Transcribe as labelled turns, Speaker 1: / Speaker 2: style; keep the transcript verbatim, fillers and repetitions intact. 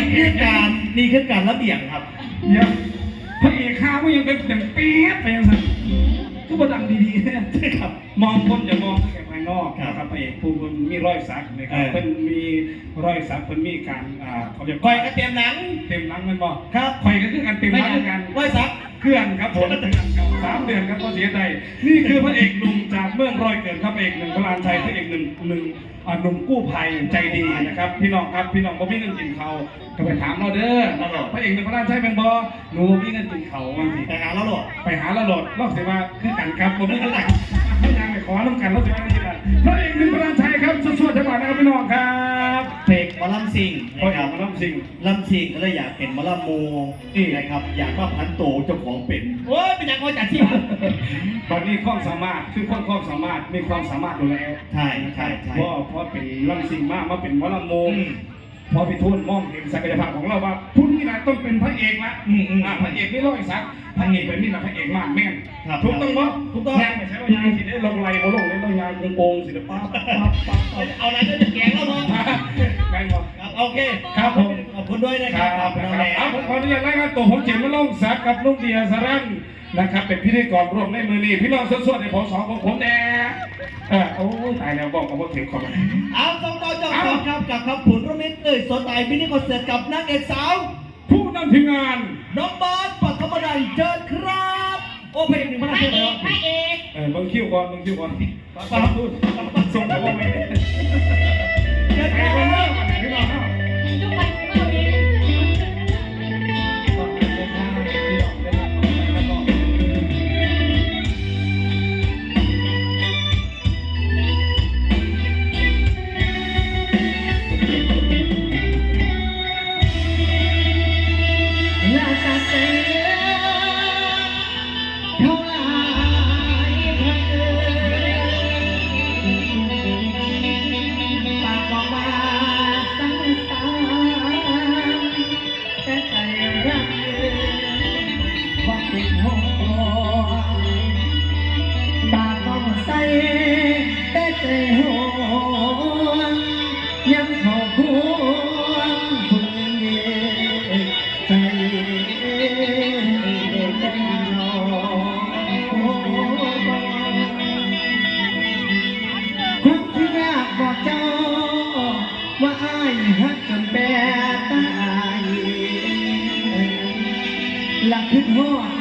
Speaker 1: คือการนี่คือการระเบียบครับ
Speaker 2: เดี๋ยวพระเอกข้าไม่ยังเป็นอย่างเปี๊ยบไปยังไงก็บดังดีๆเนี่ยครับมองคนอย่ามองแค่ภายนอกนะครับพระเอกผู้คนมีรอยสักนะครับเพิ่นมีรอยสักเพิ่นมีการอ่าเขาจะ
Speaker 1: คอยก็เตรียมหนัง
Speaker 2: เต็มหนังมันบอก
Speaker 1: ครับ
Speaker 2: คอยก็คือการเต็มหนังกัน
Speaker 1: รอยสัก
Speaker 2: เคลื่อนครับผมสามเดือนครับก็เสียใจนี่คือพระเอกหนุ่มจากเมืองร้อยเกิดครับพระเอกหนึ่งพระลานชัยพระเอกหนึ่งหนึ่งหนุ่มกู้ภัยใจดีนะครับพี่น้องครับพี่น้องบ่มีเงินกินเขาก็ไปถามเราเด้อพระเอกหนึ่งพระลานชัยเป็นบ่หนูมีเงินกินเขาบางที
Speaker 1: ไปหาเราโหลด
Speaker 2: ไปหาเราโหลดรอบเสียมาคือกันครับผมไม่เข้าใจไม่ยังไปขอน้ำกันรอบเสียมาที่ละพระเอกหนึ่งพระลานชัยครับสวดๆจังหวะนะครับพี่น้องครับ
Speaker 1: เพลงมอลำซิง
Speaker 2: พระเอกมอลำซิง
Speaker 1: ลำซิงก็เลยอยากเป็นมอลำโมนี่นะครับอยากว่าพันโตเจ้าของเป็นโอ้ยเป็นอย่างไรจัดที่
Speaker 2: ตอนนี้ความสามารถคือคนความสามารถมีความสามารถอยู่แล้ว
Speaker 1: ใช่ใช่ใช่
Speaker 2: เพราะเพราะเป็นลำซิงมากมาเป็นมอลำโมพอพี่ทุนมองเห็นศักยภาพของเราว่าพุ่นนี่นะต้องเป็นพระเอกละพระเอกไม่ร้อยสักพระเอกเป็นนี่นะพระเอกมากแม่นถูกต้องปะ
Speaker 1: ถูกต้อง
Speaker 2: ยังไม่ใช่ว่ายางสิได้ลงไหลบ่ลงเลยต้องยางโกงสิเดี๋ยวป้าป้าป้า
Speaker 1: เอาอะไรก็จะแกงแล้วมั้ง
Speaker 2: แม่นบอก
Speaker 1: โอเค
Speaker 2: ครับผม
Speaker 1: ขอบคุณด้วยนะครับ
Speaker 2: ครับผมขออนุญาตรายงานตัวผมเขียนมาลงสักกับลุงเดียสรันนะครับเป็นพิธีกรร่วมในมือนี้พี่น้องสดๆในผมสองของผมแน่เออโอ้ตายแล้วบอกกับว่าถึงขอบคุณ
Speaker 1: เอาต้องต่อจากครับกับคำผุนรมิตรเอ่ยสดใสมินิคอนเสิร์ตกับนางเอกสาว
Speaker 2: ผู้นำทีมงาน
Speaker 1: น้องบอสปัทมดันเจิดครับโอ้เพลงหนึ่งพระเอกพระเอก
Speaker 2: เออบังคิวก่อนบังคิวก่อนป้าพูดส่งไปว่าไม่ได้
Speaker 1: เจิดครับ
Speaker 2: พี่น้อง
Speaker 3: ทุกคนเมื่อวี
Speaker 1: หลักขึ้นหัว